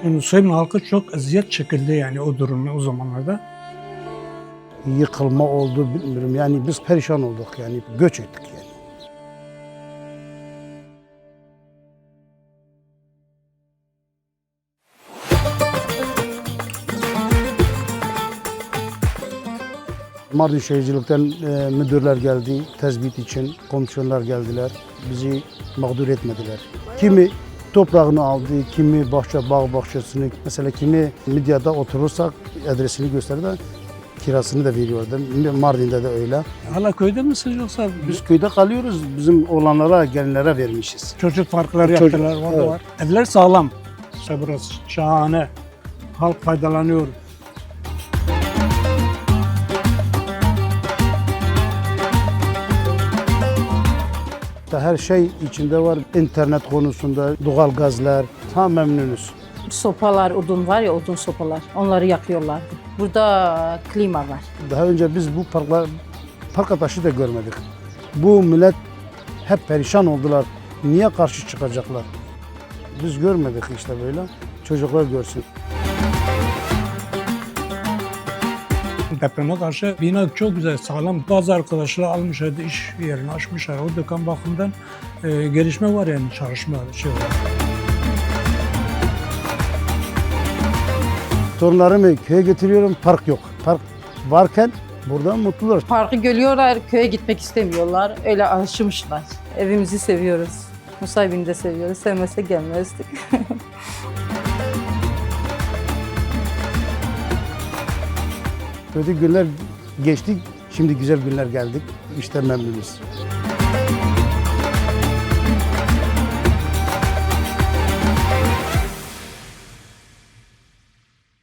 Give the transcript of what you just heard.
Nusaybin halkı çok eziyet çekildi yani o durumda o zamanlarda. Yıkılma oldu bilmiyorum. Yani biz perişan olduk yani göç ettik yani. Mardin Şehircilik'ten müdürler geldi tezbit için, komisyonlar geldiler. Bizi mağdur etmediler. Kimi toprağını aldı, kimi bağ bahçesini, mesela kimi Midyat'ta oturursak adresini gösterdi, kirasını da veriyordu. Mardin'de de öyle. Hala köyde misiniz yoksa Biz köyde kalıyoruz, bizim oğlanlara, gelinlere vermişiz. çocuk parkları Çocuk, yaptılar, orada evet. var. Evler sağlam. İşte burası şahane. Halk faydalanıyor. Her şey içinde var. İnternet konusunda, doğal gazlar, tam memnunuz. Sopalar, odun var ya, odun sopalar. Onları yakıyorlardı. Burada klima var. Daha önce biz bu park ataşı da görmedik. Bu millet hep perişan oldular. Niye karşı çıkacaklar? Biz görmedik işte böyle. Çocuklar görsün. Depreme karşı bina çok güzel, sağlam. Bazı arkadaşlar almışlardı, iş yerini açmışlar. O dükkan bakımından gelişme var yani çalışma şey var. Torunlarımı köye götürüyorum, park yok. Park varken burada mutlular. Parkı görüyorlar, köye gitmek istemiyorlar. Öyle alışmışlar. Evimizi seviyoruz. Nusaybin'i de seviyoruz. Sevmezsek gelmezdik. Kötü günler geçtik, şimdi güzel günler geldik. İşte memnunuz.